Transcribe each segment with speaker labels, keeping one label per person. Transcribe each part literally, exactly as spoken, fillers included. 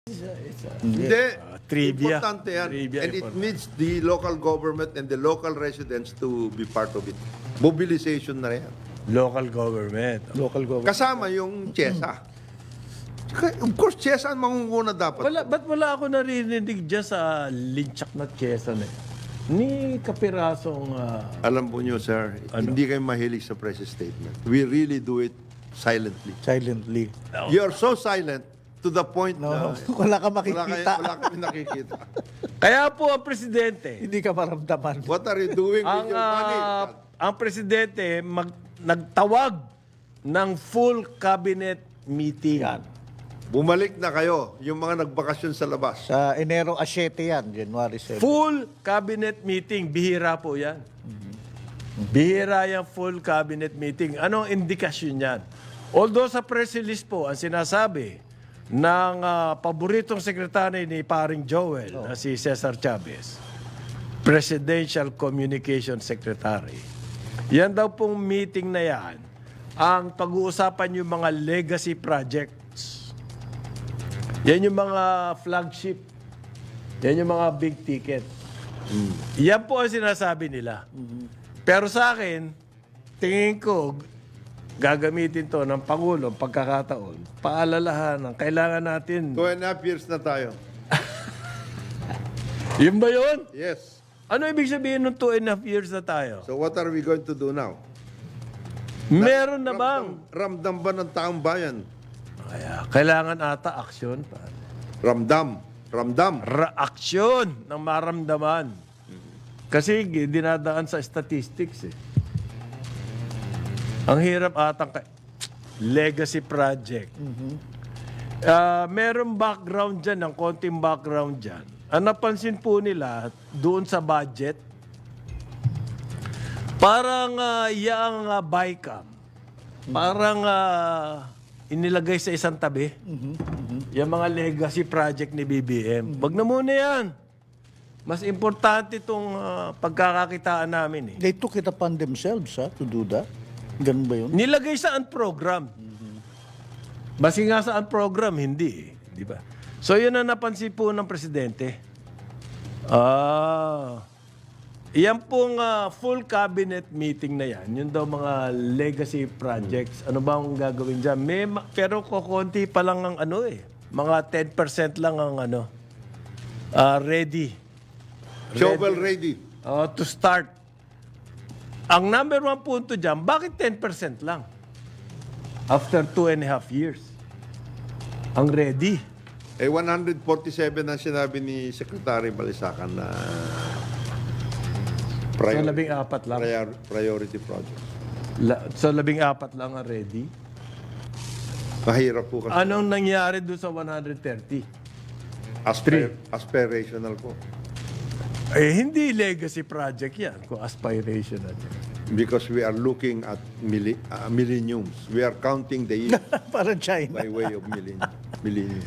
Speaker 1: It's a, it's a,
Speaker 2: Hindi.
Speaker 1: uh, trivia.
Speaker 2: Importante yan.
Speaker 1: Trivia,
Speaker 2: and it
Speaker 1: important.
Speaker 2: needs the local government and the local residents to be part of it. Mobilization na rin.
Speaker 1: Local government.
Speaker 3: Local government.
Speaker 2: Kasama yung CHESA. Tsaka, Of course, CHESA ang mangunguna dapat.
Speaker 1: Wala, ba't wala ako narinig dyan sa linchak na Quezon eh? Ni kapirasong... ah,
Speaker 2: Alam po nyo, sir,
Speaker 1: Ano?
Speaker 2: hindi kayo mahilig sa press statement. We really do it silently.
Speaker 3: Silently.
Speaker 2: You are so silent to the point
Speaker 3: No,
Speaker 2: na
Speaker 3: wala ka
Speaker 2: wala, kayo,
Speaker 3: makikita.
Speaker 2: wala kami nakikita.
Speaker 1: Kaya po ang presidente,
Speaker 3: Hindi ka maramdaman.
Speaker 2: What are you doing
Speaker 1: ang,
Speaker 2: with your money?
Speaker 1: ah, ang presidente mag, nagtawag ng full cabinet meeting.
Speaker 3: Yan.
Speaker 2: Bumalik na kayo, yung mga nagbakasyon sa labas.
Speaker 3: Sa Enero a siyete yan, January seventh.
Speaker 1: Full cabinet meeting. Bihira po yan. Bihira yung full cabinet meeting. Anong indikasyon yan? Although sa press release po, ang sinasabi ng ah, paboritong sekretary ni paring Joel, na si Cesar Chavez, Presidential Communication Secretary. Yan daw pong meeting na yan, ang pag-uusapan yung mga legacy projects. Yan yung mga flagship. Yan yung mga big ticket. Yan po ang sinasabi nila. Pero sa akin, tingin ko, gagamitin to ng Pangulo pagkakataon. Paalalahan, kailangan natin.
Speaker 2: Two and a half years na tayo.
Speaker 1: Yun ba yun?
Speaker 2: Yes.
Speaker 1: Ano ibig sabihin ng two and a half years na tayo?
Speaker 2: So what are we going to do now?
Speaker 1: Meron na bang?
Speaker 2: Ramdam ba ng taong bayan?
Speaker 1: Kaya, kailangan ata aksyon.
Speaker 2: Ramdam. Ramdam.
Speaker 1: Ra-aksyon ng maramdaman. Kasi dinadaan sa statistics eh. Ang hirap atang ka- legacy project. Ah, merong background dyan, ng konting background dyan. Ang napansin po nila, doon sa budget, parang uh, yung uh, BICAM, parang ah, inilagay sa isang tabi. Yung mga legacy project ni B B M. Wag na muna yan. Mas importante itong ah, pagkakakitaan namin eh.
Speaker 3: They took it upon themselves ha, to do that. Ganun ba yun?
Speaker 1: Nilagay sa program. Basi nga sa program, hindi eh. Di ba? So yun ang napansin po ng presidente. Ah, yan pong ah, full cabinet meeting na yan. Yun daw mga legacy projects. Ano ba ang gagawin dyan? May, ma- pero kukunti pa lang ang ano eh. Mga ten percent lang ang ano. ah, ready.
Speaker 2: Shovel ready.
Speaker 1: Oh, to start. Ang number one punto dyan, bakit ten percent lang? After two and a half years. Ang ready.
Speaker 2: Eh, one hundred forty-seven ang sinabi ni Secretary Balisacan na
Speaker 1: So,
Speaker 2: prior-
Speaker 1: labing apat lang.
Speaker 2: prior- priority project.
Speaker 1: La- so, labing apat lang ang ready.
Speaker 2: Mahirap po kasi.
Speaker 1: Anong nangyari doon sa one hundred thirty?
Speaker 2: Asper- aspirational po.
Speaker 1: Eh, hindi legacy project yan kung aspirational.
Speaker 2: Because we are looking at milli- uh, millenniums. We are counting the years
Speaker 3: Parang China.
Speaker 2: by way of millennium. millennium.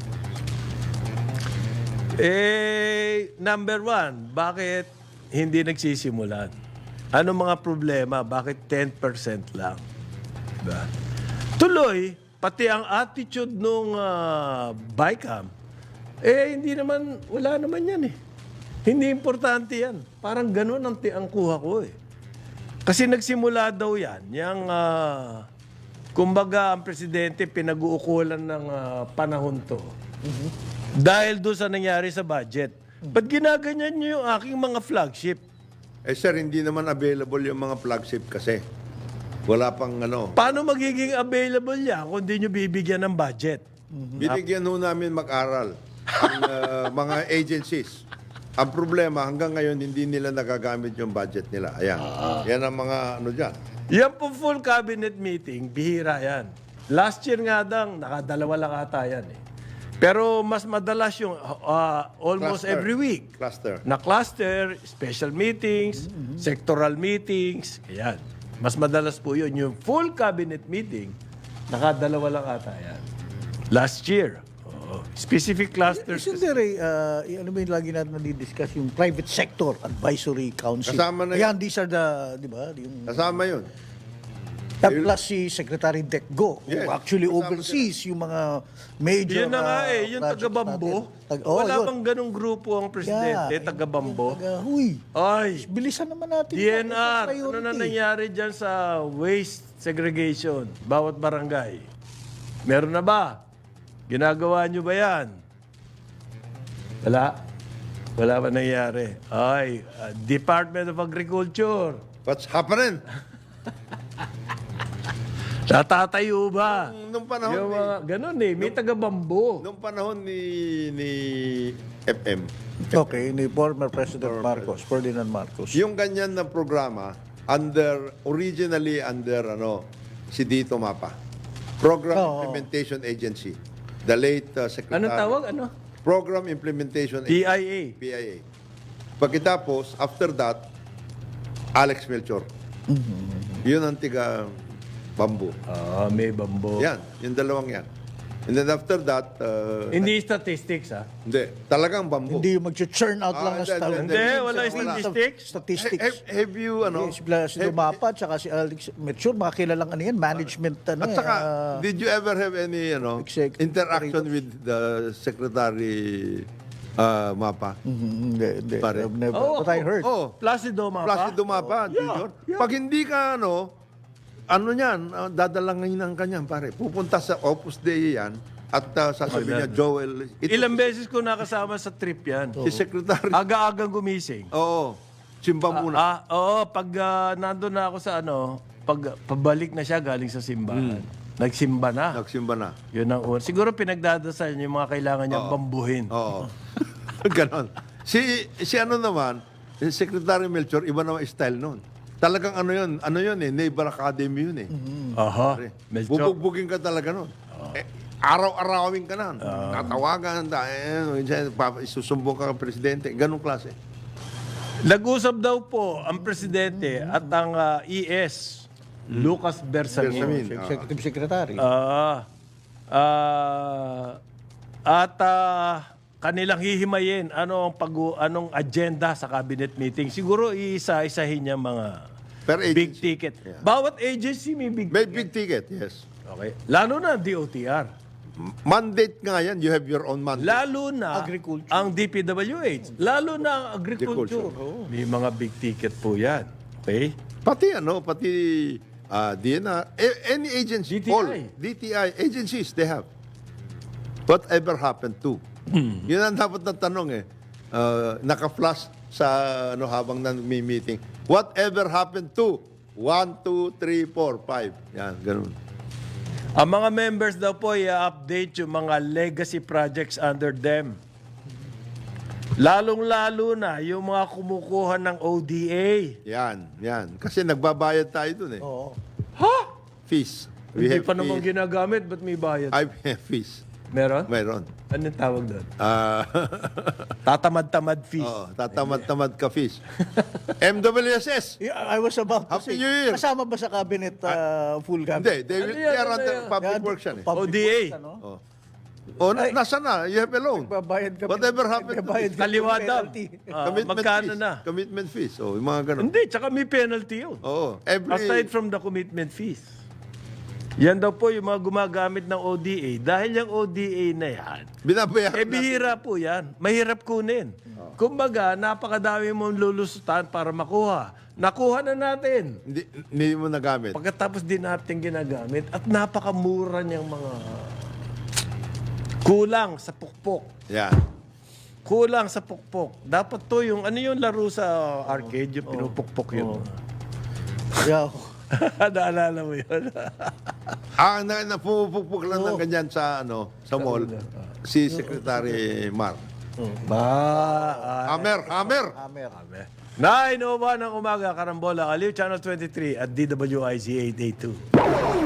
Speaker 1: Eh, number one, bakit hindi nagsisimulan? Ano mga problema? Bakit ten percent lang? Diba? Tuloy, pati ang attitude nung uh, BICAM, eh, hindi naman, wala naman yan eh. Hindi importante yan. Parang ganun ang, ti- ang kuha ko eh. Kasi nagsimula daw yan, yung, ah, kumbaga, ang presidente pinag-uukulan ng ah, panahon to. Dahil doon sa nangyari sa budget. Ba't ginaganyan nyo yung aking mga flagship?
Speaker 2: Eh sir, hindi naman available yung mga flagship kasi. Wala pang ano.
Speaker 1: Paano magiging available yan kung di nyo bibigyan ng budget?
Speaker 2: Binigyan ho namin mag-aral ang uh, mga agencies. Ang problema, hanggang ngayon, hindi nila nagagamit yung budget nila. Ayan. Yan ang mga ano dyan.
Speaker 1: Yan po full cabinet meeting, bihira yan. Last year nga dang, nakadalawa lang ata yan eh. Pero mas madalas yung ah, almost
Speaker 2: Cluster.
Speaker 1: every week.
Speaker 2: Cluster.
Speaker 1: Na cluster, special meetings, sectoral meetings, ayan. Mas madalas po yun. Yung full cabinet meeting, nakadalawa lang ata yan. Last year. Oo. Specific clusters.
Speaker 3: Isn't there a, uh, y- ano ba yung lagi natin nadidiscuss, yung private sector advisory council?
Speaker 2: Kasama na
Speaker 3: Ayan, these are the, di ba? Yung,
Speaker 2: Kasama yun.
Speaker 3: At plus si Secretary Decgo, who
Speaker 2: Yes.
Speaker 3: actually
Speaker 2: Kasama
Speaker 3: oversees yung mga major
Speaker 1: Yun na nga
Speaker 3: uh,
Speaker 1: eh, yung
Speaker 3: projects
Speaker 1: taga-bambo.
Speaker 3: natin. Tag- oh,
Speaker 1: Wala
Speaker 3: yun.
Speaker 1: bang ganong grupo ang presidente,
Speaker 3: Yeah,
Speaker 1: taga-bambo?
Speaker 3: yung Taga, huy,
Speaker 1: Ay,
Speaker 3: bilisan naman natin.
Speaker 1: D
Speaker 3: yan.
Speaker 1: N
Speaker 3: Ito
Speaker 1: R,
Speaker 3: priority.
Speaker 1: ano na nangyari dyan sa waste segregation, bawat barangay? Meron na ba? Ginagawa nyo ba yan? Wala. Wala ba nangyari? Ay, uh, Department of Agriculture,
Speaker 2: What's happening?
Speaker 1: natatayo ba?
Speaker 2: Nung panahon
Speaker 1: Yung
Speaker 2: ni,
Speaker 1: mga, ganun eh, may taga-bambo.
Speaker 2: nung panahon ni, ni F M,
Speaker 3: Okay, ni former President Marcos, Ferdinand Marcos.
Speaker 2: yung ganyan na programa, under, originally under, ano, si Dito Mapa. Program
Speaker 3: Oo.
Speaker 2: Implementation Agency. The late uh, Secretary.
Speaker 1: Anong tawag? Ano?
Speaker 2: Program Implementation
Speaker 1: P
Speaker 2: Agency.
Speaker 1: I A.
Speaker 2: P I A. Pagkatapos, after that, Alex Melchor. Yun ang tiga bambu.
Speaker 1: Ah, may bambo.
Speaker 2: Yan, yung dalawang yan. And then after that, uh,
Speaker 1: Hindi statistics, ha?
Speaker 2: hindi, talagang bambu.
Speaker 3: Hindi yung mag-churn out
Speaker 2: Ah,
Speaker 3: lang ng
Speaker 2: hindi,
Speaker 3: style.
Speaker 2: hindi,
Speaker 1: Hindi, wala
Speaker 2: Wala.
Speaker 1: statistics.
Speaker 3: Statistics.
Speaker 2: have, have you, ano,
Speaker 3: Yes, bla- si
Speaker 2: have-
Speaker 3: Dumapa at saka si Alex Mature, mga kilalang ano yan, management ano
Speaker 2: at
Speaker 3: eh,
Speaker 2: saka,
Speaker 3: ah,
Speaker 2: did you ever have any, ano,
Speaker 3: Exec-
Speaker 2: interaction with the Secretary uh, Mapa?
Speaker 3: mhm, hindi, hindi.
Speaker 2: Pare.
Speaker 3: I've never,
Speaker 1: Oo,
Speaker 3: but I heard.
Speaker 2: Oh,
Speaker 1: Placido Mapa.
Speaker 2: Placido Mapa, Junior.
Speaker 1: yeah.
Speaker 2: Pag hindi ka, ano, ano yan, uh, dadalangin ng kanyang pare. Pupunta sa Opus Dei yan at uh, sasabihin niya, Joel, ito
Speaker 1: Ilang beses ko nakasama sa trip yan.
Speaker 2: si Secretary.
Speaker 1: Aga-agang gumising.
Speaker 2: Oo, simba muna.
Speaker 1: Ah, oo, pag ah, nandun na ako sa ano, pag pabalik na siya galing sa simbahan. Nagsimba na.
Speaker 2: Nagsimba na.
Speaker 1: Yun ang una. Siguro pinagdadasal niya yung mga kailangan niyang bambuhin.
Speaker 2: Oo. Ganon. Si, si ano naman, si Secretary Melchor, iba naman style noon. Talagang ano yun, ano yun eh, Naval Academy yun eh.
Speaker 1: Aha.
Speaker 2: Pare,
Speaker 1: Medyo.
Speaker 2: Bubugbugin ka talaga noon. Eh, araw-arawin ka na. Tatawagan, ta- eh, minsan, pa- isusumbong ka ng presidente. Ganong klase.
Speaker 1: Nag-usap daw po ang presidente at ang ah, E S, Lucas Bersamin.
Speaker 2: Bersamin.
Speaker 3: Executive Secretary.
Speaker 1: Ah, ah, at ah, kanilang hihimayin ano ang pag anong agenda sa cabinet meeting. Siguro iisa-isahin niya mga
Speaker 2: Per
Speaker 1: big
Speaker 2: agency.
Speaker 1: ticket. Bawat agency may big
Speaker 2: May big ticket, yes.
Speaker 1: Okay. Lalo na ang D O T R.
Speaker 2: Mandate nga yan, you have your own mandate.
Speaker 1: Lalo na
Speaker 3: Agriculture.
Speaker 1: ang D P W H. Lalo na ang agriculture.
Speaker 2: Agriculture.
Speaker 1: May mga big ticket po yan. Okay?
Speaker 2: Pati ano, pati uh, D N R, a- any agency,
Speaker 1: D T I.
Speaker 2: all D T I agencies, they have. Whatever happened to? Yun ang dapat na tanong eh. Uh, naka-flash sa ano habang may meeting. Whatever happened to? One, two, three, four, five. Yan, ganun.
Speaker 1: Ang mga members daw po i-update yung mga legacy projects under them. Lalong-lalo na yung mga kumukuha ng O D A.
Speaker 2: Yan, yan. Kasi nagbabayad tayo dun eh.
Speaker 3: Oo.
Speaker 1: Ha?
Speaker 2: Fees.
Speaker 1: Hindi
Speaker 2: have
Speaker 1: pa naman
Speaker 2: fees.
Speaker 1: ginagamit, ba't may bayad?
Speaker 2: I have fees.
Speaker 1: Meron?
Speaker 2: Mayroon.
Speaker 1: Anong tawag doon?
Speaker 2: Ah,
Speaker 1: Tatamad-tamad fees.
Speaker 2: oh, tatamad-tamad ka fees. M W S S.
Speaker 3: Yeah, I was about to
Speaker 2: Happy
Speaker 3: say,
Speaker 2: New Year.
Speaker 3: kasama ba sa cabinet, uh, full
Speaker 2: Hindi,
Speaker 3: cabinet?
Speaker 2: they, will,
Speaker 1: Ano yan,
Speaker 2: they are
Speaker 1: ano
Speaker 2: under
Speaker 1: yan?
Speaker 2: public
Speaker 3: Yan,
Speaker 2: works yan eh.
Speaker 3: public
Speaker 1: O D A.
Speaker 3: works, ano?
Speaker 2: Oh. Oh, na, nasa na? You have a loan.
Speaker 3: Nagbabayad kami.
Speaker 2: Whatever happened to
Speaker 3: Nagbabayad
Speaker 2: it?
Speaker 3: kami ng
Speaker 1: Kaliwa daw.
Speaker 3: penalty.
Speaker 1: Ah,
Speaker 2: Commitment
Speaker 1: magkano
Speaker 2: fees.
Speaker 1: na?
Speaker 2: Commitment fees. Oh, yung mga ganun.
Speaker 1: Hindi, tsaka may penalty yun.
Speaker 2: Oo. Every,
Speaker 1: Aside from the commitment fees. Yan daw po yung mga gumagamit ng O D A. Dahil yung O D A na yan,
Speaker 2: binabayaran
Speaker 1: eh
Speaker 2: natin.
Speaker 1: bihira po yan. Mahirap kunin. Kumbaga, napakadami mong lulusutan para makuha. Nakuha na natin.
Speaker 2: Hindi, hindi mo nagamit.
Speaker 1: Pagkatapos din natin ginagamit at napakamura niyang mga kulang sa pukpok.
Speaker 2: Yan.
Speaker 1: Kulang sa pukpok. Dapat to yung, ano yung laro sa arcade, yung pinupukpok yun.
Speaker 3: Yeah.
Speaker 1: Naalala mo yun?
Speaker 2: Ah, na, na pumupukpuk lang ng ganyan sa ano, sa mall. Si Secretary Mar.
Speaker 1: Ba, ah,
Speaker 2: Hammer, hammer.
Speaker 3: Amer.
Speaker 1: nine oh one ng umaga, Karambola, Aliw, Channel twenty-three at D W I Z eight eighty-two.